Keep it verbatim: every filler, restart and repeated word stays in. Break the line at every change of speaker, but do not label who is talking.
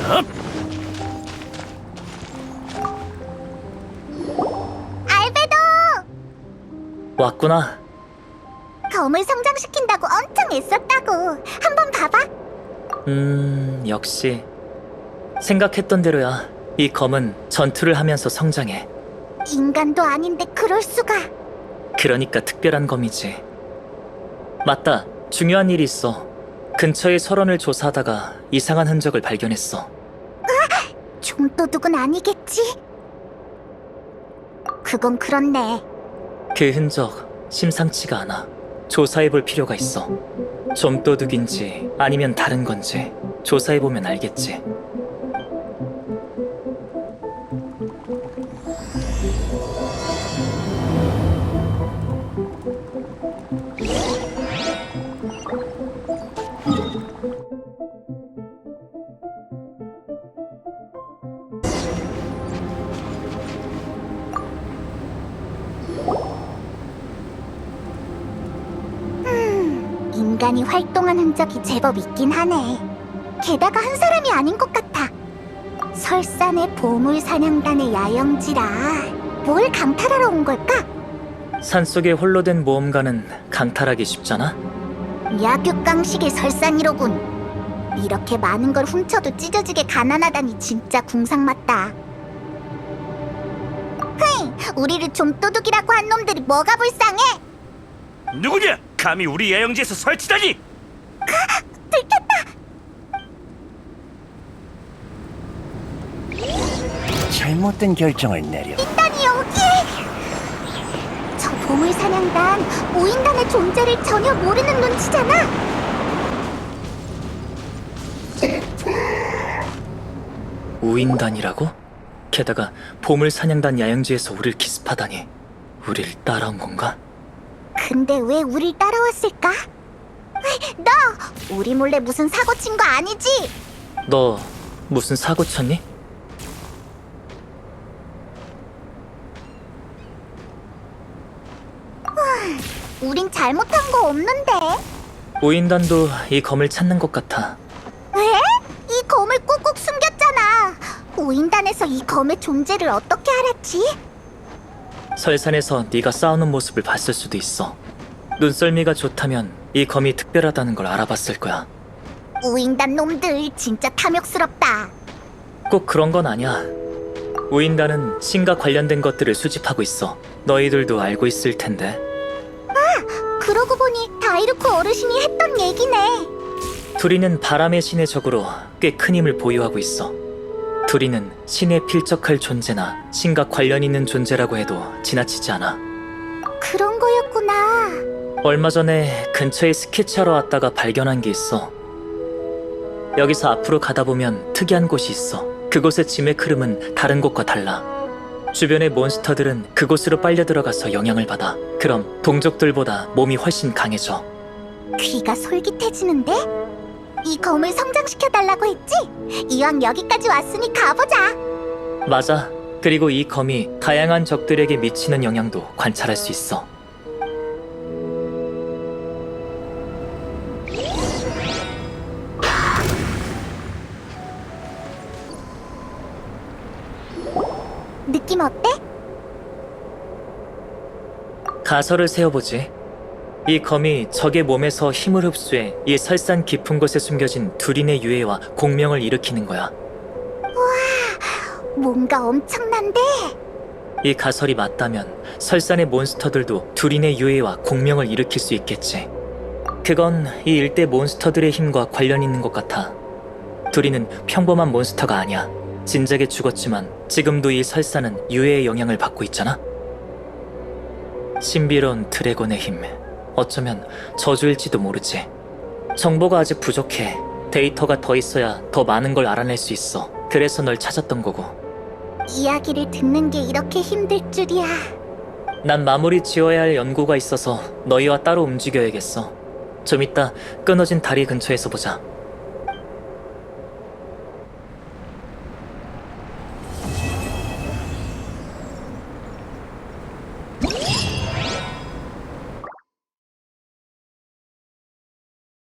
알베도!
왔구나.
검을 성장시킨다고 엄청 애썼다고. 한번 봐봐.
음, 역시 생각했던 대로야. 이 검은 전투를 하면서 성장해.
인간도 아닌데 그럴 수가.
그러니까 특별한 검이지. 맞다. 중요한 일이 있어. 근처의 설원을 조사하다가 이상한 흔적을 발견했어.
좀도둑은 아니겠지? 그건 그렇네.
그 흔적 심상치가 않아. 조사해볼 필요가 있어. 좀도둑인지 아니면 다른 건지 조사해보면 알겠지.
인간이 활동한 흔적이 제법 있긴 하네. 게다가 한 사람이 아닌 것 같아. 설산의 보물사냥단의 야영지라 뭘 강탈하러 온 걸까?
산속에 홀로 된 모험가는 강탈하기 쉽잖아?
약육강식의 설산이로군. 이렇게 많은 걸 훔쳐도 찢어지게 가난하다니 진짜 궁상맞다. 흐이, 우리를 좀도둑이라고 한 놈들이 뭐가 불쌍해?
누구냐? 감히 우리 야영지에서 설치다니!
들켰다!
잘못된 결정을 내려.
인간이 여기에! 저 보물사냥단, 오인단의 존재를 전혀 모르는 눈치잖아?
우인단이라고? 게다가 보물사냥단 야영지에서 우릴 기습하다니. 우릴 따라온 건가?
근데 왜 우릴 따라왔을까? 너! 우리 몰래 무슨 사고 친 거 아니지?
너 무슨 사고 쳤니?
우린 잘못한 거 없는데.
우인단도 이 검을 찾는 것 같아.
왜? 이 검을 꾹꾹 숨겼잖아. 오인단에서 이 검의 존재를 어떻게 알았지?
설산에서 네가 싸우는 모습을 봤을 수도 있어. 눈썰미가 좋다면 이 검이 특별하다는 걸 알아봤을 거야.
오인단 놈들 진짜 탐욕스럽다.
꼭 그런 건 아니야. 우인단은 신과 관련된 것들을 수집하고 있어. 너희들도 알고 있을 텐데.
그러고 보니 다이루코 어르신이 했던 얘기네.
두리는 바람의 신의 적으로 꽤 큰 힘을 보유하고 있어. 두리는 신에 필적할 존재나 신과 관련 있는 존재라고 해도 지나치지 않아.
그런 거였구나.
얼마 전에 근처에 스케치하러 왔다가 발견한 게 있어. 여기서 앞으로 가다 보면 특이한 곳이 있어. 그곳의 짐의 흐름은 다른 곳과 달라. 주변의 몬스터들은 그곳으로 빨려 들어가서 영향을 받아. 그럼 동족들보다 몸이 훨씬 강해져.
귀가 솔깃해지는데? 이 검을 성장시켜달라고 했지? 이왕 여기까지 왔으니 가보자.
맞아. 그리고 이 검이 다양한 적들에게 미치는 영향도 관찰할 수 있어.
느낌 어때?
가설을 세워보지. 이 검이 적의 몸에서 힘을 흡수해 이 설산 깊은 곳에 숨겨진 두린의 유해와 공명을 일으키는 거야.
뭔가 엄청난데?
이 가설이 맞다면 설산의 몬스터들도 두린의 유해와 공명을 일으킬 수 있겠지. 그건 이 일대 몬스터들의 힘과 관련 있는 것 같아. 두린은 평범한 몬스터가 아니야. 진작에 죽었지만 지금도 이 설산은 유해의 영향을 받고 있잖아. 신비로운 드래곤의 힘. 어쩌면 저주일지도 모르지. 정보가 아직 부족해. 데이터가 더 있어야 더 많은 걸 알아낼 수 있어. 그래서 널 찾았던 거고.
이야기를 듣는 게 이렇게 힘들 줄이야.
난 마무리 지어야 할 연구가 있어서 너희와 따로 움직여야겠어. 좀 이따 끊어진 다리 근처에서 보자.